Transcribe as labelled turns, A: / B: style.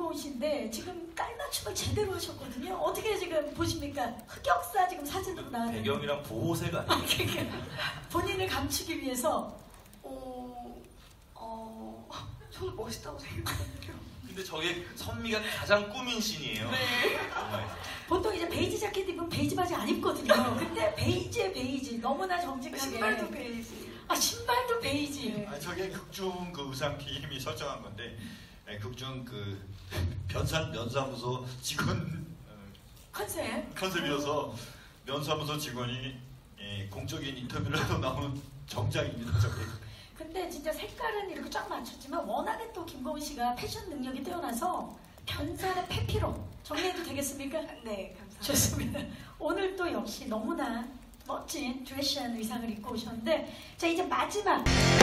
A: 김고은 씨인데 지금 깔맞춤을 제대로 하셨거든요. 어떻게 지금 보십니까? 흑역사 지금 사진으로 나왔는데
B: 배경이랑 보호색 아니에요?
A: 본인을 감추기 위해서
C: 저는 멋있다고 생각하거든요.
B: 근데 저게 선미가 가장 꾸민 씬이에요.
C: 네.
A: 보통 이제 베이지 자켓 입으면 베이지 바지 안 입거든요. 근데 베이지에 베이지 너무나 정직하게
C: 신발도 베이지.
A: 아 신발도 베이지.
C: 네.
D: 아니, 저게 극중 그 의상팀이 설정한 건데 극중 그 면사무소 직원 컨셉이어서 면사무소 직원이 공적인 인터뷰를 해도 나오는 정장입니다. 저게.
A: 근데 진짜 색깔은 이렇게 쫙 맞췄지만 워낙에 또 김고은 씨가 패션 능력이 뛰어나서 변산의 페피로 정리해도 되겠습니까?
C: 네, 감사합니다.
A: 좋습니다. 오늘 또 역시 너무나 멋진 드레시한 의상을 입고 오셨는데 자 이제 마지막